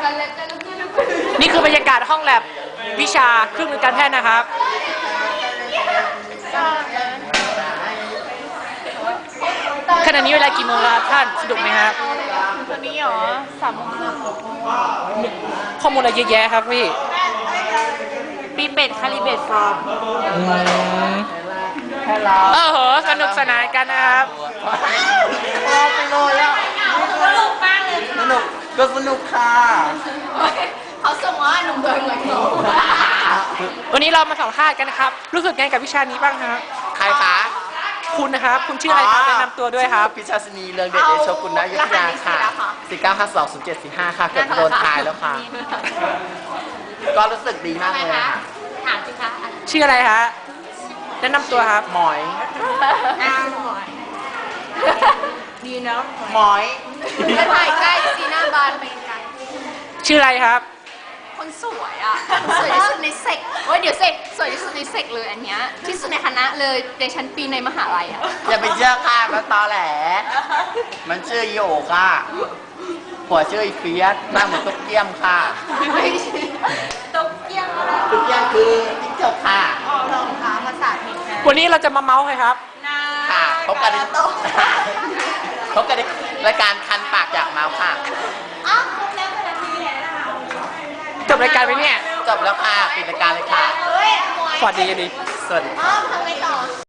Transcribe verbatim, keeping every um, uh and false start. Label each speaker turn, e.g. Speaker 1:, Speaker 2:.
Speaker 1: นี่คือบรรยากาศห้องแลบวิชาเครื่องมือการแพทย์นะครับขณะนี้เวลากี่โมงแล้วท่านสะดวกไหมครับ
Speaker 2: ตอนนี้เหรอสามโมงครึ่ง
Speaker 1: ข้อมูลอะไรเยอะแยะครับพี่
Speaker 2: ปีเป็ดคาลิเบตฟอร์ม
Speaker 1: เออเหอะสนุกสนานกันนะครับ
Speaker 3: รอไปเลยอ่ะ
Speaker 2: สนุกมากเลย
Speaker 3: สนุกก็สนุกค่ะ
Speaker 2: เขาส่งว่าหนุ่มเดินเหมือนหนู
Speaker 1: วันนี้เรามาสัมภาษณ์กันนะครับรู้สึกไงกับวิชานี้บ้างครับ
Speaker 3: ใครคะ
Speaker 1: คุณนะครับคุณชื่ออะไรครับแนะนำตัวด้วยครับ
Speaker 3: พิชาสนีเรืองเดชเดชกุลนายุทธยาค่ะสี่เก้าห้าสองศูนย์เจ็ดสี่ห้าค่ะเกือบโดนทายแล้วค่ะ ก็รู้สึกดีมากเลยค่ะ
Speaker 2: ถามสิคะ
Speaker 1: ชื่ออะไรฮะแนะนำตัวครับ
Speaker 3: หมอย
Speaker 2: อ้าวหน่อยดีเนาะ
Speaker 3: หมอย
Speaker 2: จะถ่ายใกล้สีหน้าบานไปไกล
Speaker 1: ชื่ออะไรครับ
Speaker 2: คนสวยอ่ะสวยที่สุดในเซกโอ้ยเดี๋ยวเซกสวยที่สุดในเซกเลยอันเนี้ยที่สุดในคณะเลยในชั้นปีในมหาลัยอ่ะ
Speaker 3: อย่าไปเชื่อค่ะมันตอแหล มันชื่ออีโอค่ะผัวชื่ออีเฟียสหน้าเหมือนตุ๊กเกี้ยมค่ะ
Speaker 2: ตกเกี้ยงอะไร
Speaker 3: ตุ๊กเกี้ยมคือติ๊กจกค่ะ
Speaker 2: ลองคะภาษาผิดนะ
Speaker 1: วันนี้เราจะมาเมาส์ใครครับ
Speaker 3: ค่ะพบกันในพบกันในรายการคันปากอยากเมาส์ค่ะ
Speaker 2: อ้าวครบแล้วเป็นนาทีแล้วนะคะ
Speaker 1: จบรายการไปเนี่ย
Speaker 3: จบแล้วค่ะปิดรายการเลยค่ะ
Speaker 2: เฮ้ย
Speaker 1: สวัสดีกันดี
Speaker 3: สวัสดี
Speaker 2: อ้าวทำไงต่อ